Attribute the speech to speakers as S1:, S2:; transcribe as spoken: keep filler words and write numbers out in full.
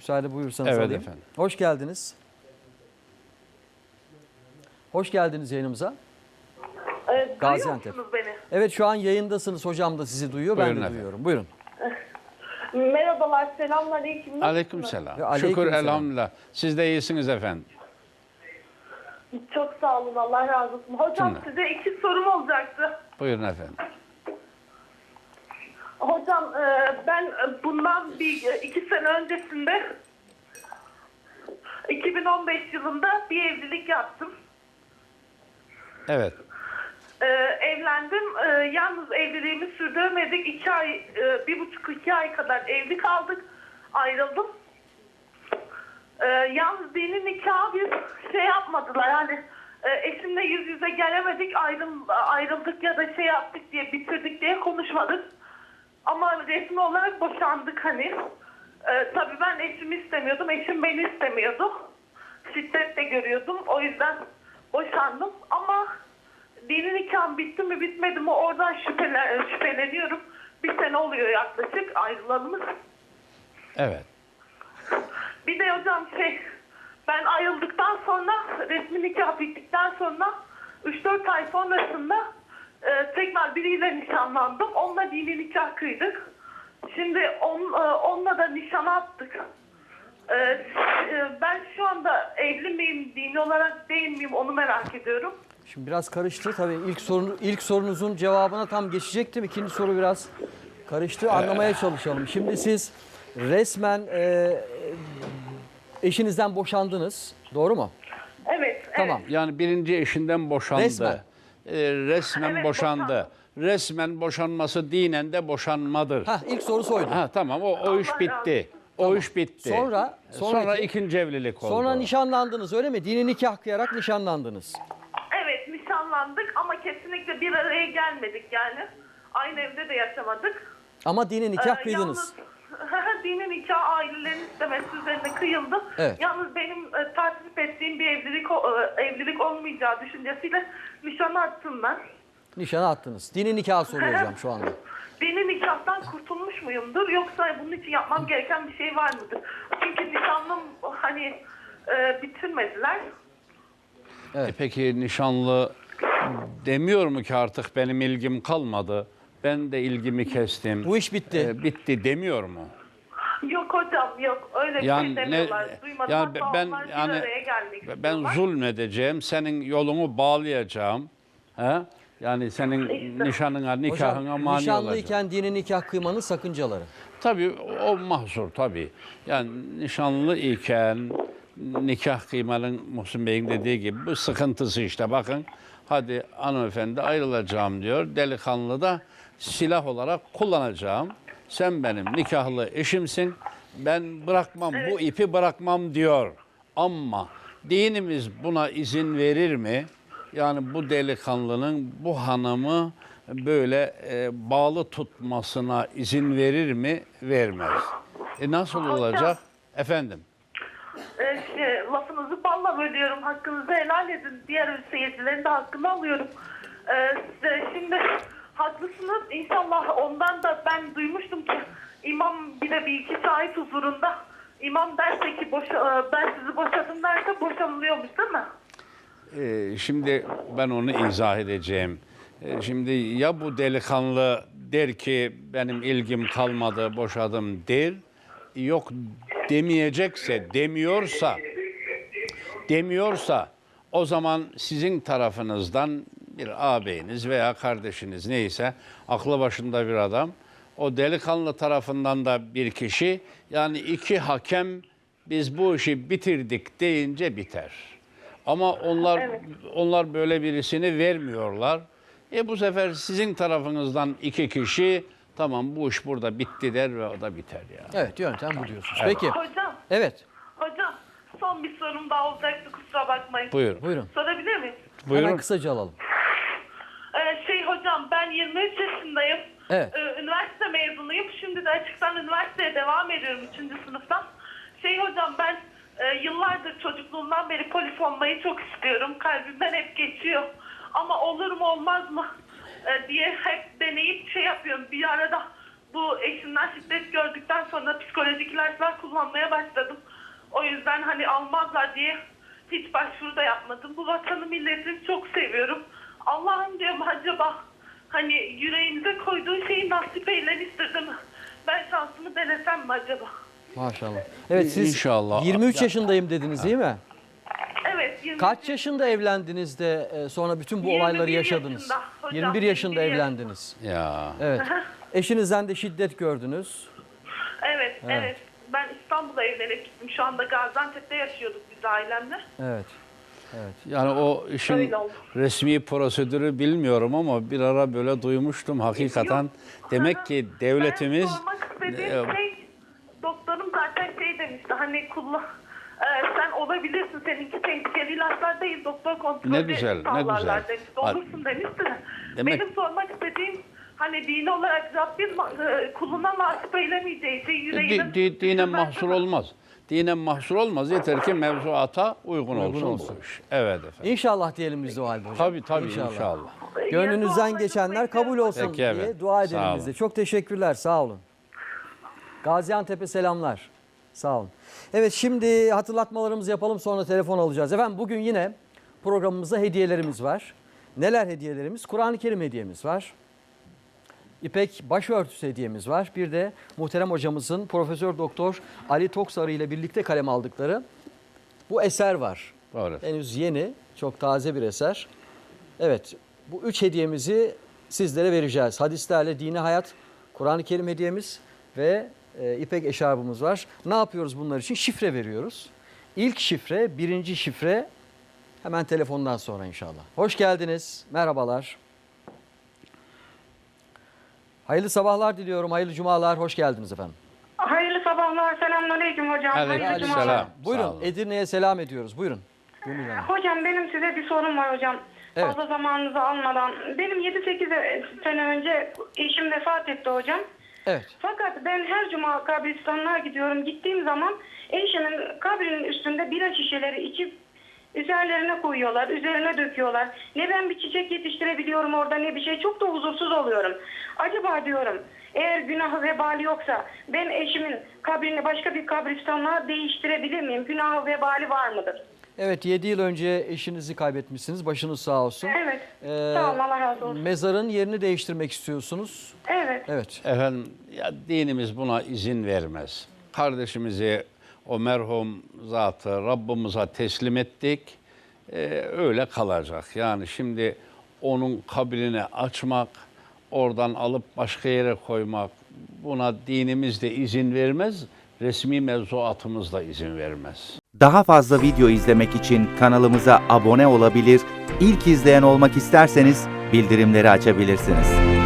S1: Müsaade buyursanız
S2: Evet
S1: alayım.
S2: efendim.
S1: Hoş geldiniz. Hoş geldiniz yayınımıza.
S3: Ee,
S1: Gaziantep.
S3: Duyuyor musunuz beni?
S1: Evet, şu an yayındasınız. Hocam da sizi duyuyor.
S2: Buyurun
S1: ben de
S2: efendim.
S1: duyuyorum. Buyurun.
S3: Merhabalar, selamünaleyküm.
S2: Aleyküm selam.
S1: Ve aleyküm
S2: Şükür
S1: selam.
S2: elhamdülillah. Siz de iyisiniz efendim.
S3: Çok sağ olun, Allah razı olsun. Hocam
S2: Cümle.
S3: size iki sorum olacaktı.
S2: Buyurun efendim.
S3: Hocam e, ben bundan bir iki sene öncesinde iki bin on beş yılında bir evlilik yaptım.
S2: Evet.
S3: Ee, evlendim. Ee, yalnız evliliğimi sürdüremedik. İki ay, e, bir buçuk iki ay kadar evli kaldık. Ayrıldım. Ee, yalnız dini nikahı bir şey yapmadılar. Yani e, eşimle yüz yüze gelemedik. Ayrıl, ayrıldık ya da şey yaptık diye, bitirdik diye konuşmadık. Ama resmi olarak boşandık hani. Ee, tabii ben eşimi istemiyordum. Eşim beni istemiyordu. Şiddet de görüyordum. O yüzden boşandım. Ama dini nikahım bitti mi bitmedi mi oradan şüphelen, şüpheleniyorum. Bir sene oluyor yaklaşık ayrılalımız.
S2: Evet.
S3: Bir de hocam şey, ben ayrıldıktan sonra, resmi nikah bittikten sonra üç dört ay sonrasında e, tekrar biriyle nişanlandım. Onunla dini nikah kıydık. Şimdi on, e, onunla da nişan attık. E, e, ben şu anda evli miyim, dini olarak değil miyim onu merak ediyorum.
S1: Şimdi biraz karıştı. Tabii ilk sorun, ilk sorunuzun cevabına tam geçecektim. İkinci soru biraz karıştı. Anlamaya çalışalım. Şimdi siz resmen e, eşinizden boşandınız. Doğru mu?
S3: Evet,
S1: Tamam.
S3: evet.
S2: Yani birinci eşinden boşandı.
S1: Resmen.
S2: Ee, resmen
S3: Evet,
S2: boşandı.
S3: boşandı.
S2: Resmen boşanması dinen de boşanmadır.
S1: Hah, ilk soru soydu.
S2: Ha tamam, o, o iş
S3: Allah
S2: bitti. O iş bitti.
S1: Sonra-
S2: sonra,
S1: sonraki-
S2: ikinci evlilik oldu.
S1: Sonra nişanlandınız, öyle mi? Dini nikah kıyarak nişanlandınız.
S3: Evet, nişanlandık ama kesinlikle bir araya gelmedik yani. Aynı evde de yaşamadık.
S1: Ama dini nikah
S3: Ee,
S1: kıydınız.
S3: Yalnız dini nikah ailelerin istemesi üzerine kıyıldı.
S1: Evet.
S3: Yalnız benim e, takip ettiğim bir evlilik o- e, evlilik olmayacağı düşüncesiyle nişan attım ben.
S1: Nişana attınız. Dini nikah soruyorum şu anda.
S3: Dini nikahtan kurtulmuş muyumdur yoksa bunun için yapmam gereken bir şey var mıdır? Çünkü nişanlım hani e, bitirmediler.
S2: E peki nişanlı demiyor mu ki artık benim ilgim kalmadı? Ben de ilgimi kestim.
S1: Bu iş bitti.
S2: E, bitti demiyor mu?
S3: Yok hocam yok öyle bir
S2: Yani
S3: şey
S2: ne
S3: demiyorlar. Duymadım
S2: yani
S3: hatta
S2: ben
S3: onlar bir
S2: yani
S3: araya gelmek
S2: ben
S3: istiyorlar.
S2: zulmedeceğim, senin yolunu bağlayacağım. He? Yani senin
S3: İşte.
S2: nişanına, nikahına
S1: Hocam,
S2: mani olacağım.
S1: nişanlıyken dini nikah kıymanın sakıncaları.
S2: Tabii o mahzur tabii. Yani nişanlı iken nikah kıymanın Muhsin Bey'in dediği gibi bu sıkıntısı işte. Bakın hadi hanımefendi ayrılacağım diyor. Delikanlı da silah olarak kullanacağım. Sen benim nikahlı eşimsin. Ben bırakmam, bu ipi bırakmam diyor. Ama dinimiz buna izin verir mi? Yani bu delikanlının bu hanımı böyle e, bağlı tutmasına izin verir mi? Vermez. E nasıl
S3: Hocam.
S2: olacak? Efendim?
S3: Ee, şey, lafınızı balla bölüyorum. Hakkınızı helal edin. Diğer seyircilerin de hakkını alıyorum. Ee, size şimdi haklısınız. İnşallah ondan da ben duymuştum ki imam bir de bir iki şahit huzurunda imam derse ki boşa, ben sizi boşadım derse boşanılıyormuş değil mi?
S2: Ee, şimdi ben onu izah edeceğim. Ee, şimdi ya bu delikanlı der ki benim ilgim kalmadı, boşadım der. Yok demeyecekse, demiyorsa, demiyorsa o zaman sizin tarafınızdan bir ağabeyiniz veya kardeşiniz neyse aklı başında bir adam, o delikanlı tarafından da bir kişi, yani iki hakem biz bu işi bitirdik deyince biter. Ama onlar
S3: Evet.
S2: onlar böyle birisini vermiyorlar. E bu sefer sizin tarafınızdan iki kişi tamam bu iş burada bitti der ve o da biter ya.
S1: Evet, yöntem bu diyorsunuz. Peki.
S3: Hocam,
S1: Evet.
S3: hocam son bir sorum daha olacaktı kusura bakmayın.
S2: Buyur.
S1: Buyurun.
S3: Sorabilir miyim?
S2: Buyurun.
S1: Hemen kısaca alalım.
S3: Ee, şey hocam ben yirmi üç yaşındayım.
S1: Evet.
S3: Ee, üniversite mezunuyum. Şimdi de açıktan üniversiteye devam ediyorum üçüncü sınıftan. Şey hocam ben e, yıllardır çocukluğumdan beri polis olmayı çok istiyorum. Kalbimden hep geçiyor. Ama olur mu olmaz mı e, diye hep deneyip şey yapıyorum. Bir arada bu eşimden şiddet gördükten sonra psikolojik ilaçlar kullanmaya başladım. O yüzden hani almazlar diye hiç başvuru da yapmadım. Bu vatanı milletini çok seviyorum. Allah'ım diyorum acaba hani yüreğimize koyduğu şeyi nasip eyler istedim. Ben şansımı denesem mi acaba?
S1: Maşallah. Evet siz
S2: İnşallah.
S1: yirmi üç yaşındayım dediniz değil mi?
S3: Evet. yirmi
S1: Kaç yaşında evlendiniz de e, sonra bütün bu
S3: yirmi bir
S1: olayları yaşadınız?
S3: yaşında hocam,
S1: yirmi bir yaşında
S3: yirmi bir
S1: evlendiniz.
S2: Ya.
S1: Evet. Eşinizden de şiddet gördünüz.
S3: Evet,
S1: Evet.
S3: evet. Ben İstanbul'a evlenip gittim. Şu anda Gaziantep'te yaşıyorduk biz ailemle.
S1: Evet.
S2: Yani o işin
S3: Öyle oldu.
S2: resmi prosedürü bilmiyorum ama bir ara böyle duymuştum hakikaten.
S3: Yok.
S2: Demek ki devletimiz
S3: Ben sormak istediğim
S2: e,
S3: şey, doktorum zaten şey demişti, hani kullan, e, sen olabilirsin, seninki tehlikeli ilaçlar değil, doktor kontrolü
S2: Ne güzel, ne
S3: sağlarlar
S2: güzel.
S3: demişti,
S2: Bak,
S3: olursun demişti.
S2: demek-
S3: Benim sormak istediğim, hani dini olarak Rabbim e, kuluna mahsup eylemeyeceği şey yüreğine...
S2: di, di, dinen
S3: düşünmez
S2: mahsur
S3: mi?
S2: olmaz. Dinen mahsur olmaz. Yeter ki mevzuata uygun, olsun,
S1: olsun.
S2: bu iş. Evet efendim.
S1: İnşallah diyelim biz de o halde hocam.
S2: Tabii tabii inşallah.
S1: Gönlünüzden geçenler kabul olsun
S2: Peki
S1: diye
S2: efendim.
S1: dua
S2: Sağ
S1: edelim biz de.
S2: olun.
S1: Çok teşekkürler. Sağ olun. Gaziantep'e selamlar. Sağ olun. Evet şimdi hatırlatmalarımızı yapalım sonra telefon alacağız. Efendim bugün yine programımızda hediyelerimiz var. Neler hediyelerimiz? Kur'an-ı Kerim hediyemiz var. İpek başörtüsü hediyemiz var. Bir de muhterem hocamızın Profesör Doktor Ali Toksarı ile birlikte kaleme aldıkları bu eser var.
S2: Doğru.
S1: Henüz yeni, çok taze bir eser. Evet, bu üç hediyemizi sizlere vereceğiz. Hadislerle Dini Hayat, Kur'an-ı Kerim hediyemiz ve e, İpek eşarbımız var. Ne yapıyoruz bunlar için? Şifre veriyoruz. İlk şifre, birinci şifre hemen telefondan sonra inşallah. Hoş geldiniz, merhabalar. Hayırlı sabahlar diliyorum, hayırlı cumalar, hoş geldiniz efendim.
S4: Hayırlı sabahlar, selamünaleyküm hocam.
S2: Aleyküm
S4: Hayırlı
S2: selam.
S4: cumalar.
S2: Sağ
S1: Buyurun,
S2: olun.
S1: Edirne'ye selam ediyoruz. Buyurun. Gönül Hanım.
S4: Hocam benim size bir sorum var hocam.
S1: Evet.
S4: Fazla zamanınızı almadan. Benim yedi sekiz sene önce eşim vefat etti hocam.
S1: Evet.
S4: Fakat ben her cuma kabristanlığa gidiyorum. Gittiğim zaman eşimin kabrinin üstünde bira şişeleri içip üzerlerine koyuyorlar, üzerine döküyorlar. Ne ben bir çiçek yetiştirebiliyorum orada ne bir şey. Çok da huzursuz oluyorum. Acaba diyorum eğer günahı vebali yoksa ben eşimin kabrini başka bir kabristanlığa değiştirebilir miyim? Günahı vebali var mıdır?
S1: Evet, yedi yıl önce eşinizi kaybetmişsiniz. Başınız sağ olsun.
S4: Evet.
S1: Ee,
S4: Sağ olun, Allah razı olsun.
S1: Mezarın yerini değiştirmek istiyorsunuz.
S4: Evet.
S1: Evet.
S2: Efendim ya dinimiz buna izin vermez. Kardeşimizi o merhum zatı Rabbimize teslim ettik. Ee, öyle kalacak. Yani şimdi onun kabrini açmak, oradan alıp başka yere koymak buna dinimiz de izin vermez. Resmi mevzuatımız da izin vermez.
S5: Daha fazla video izlemek için kanalımıza abone olabilir, ilk izleyen olmak isterseniz bildirimleri açabilirsiniz.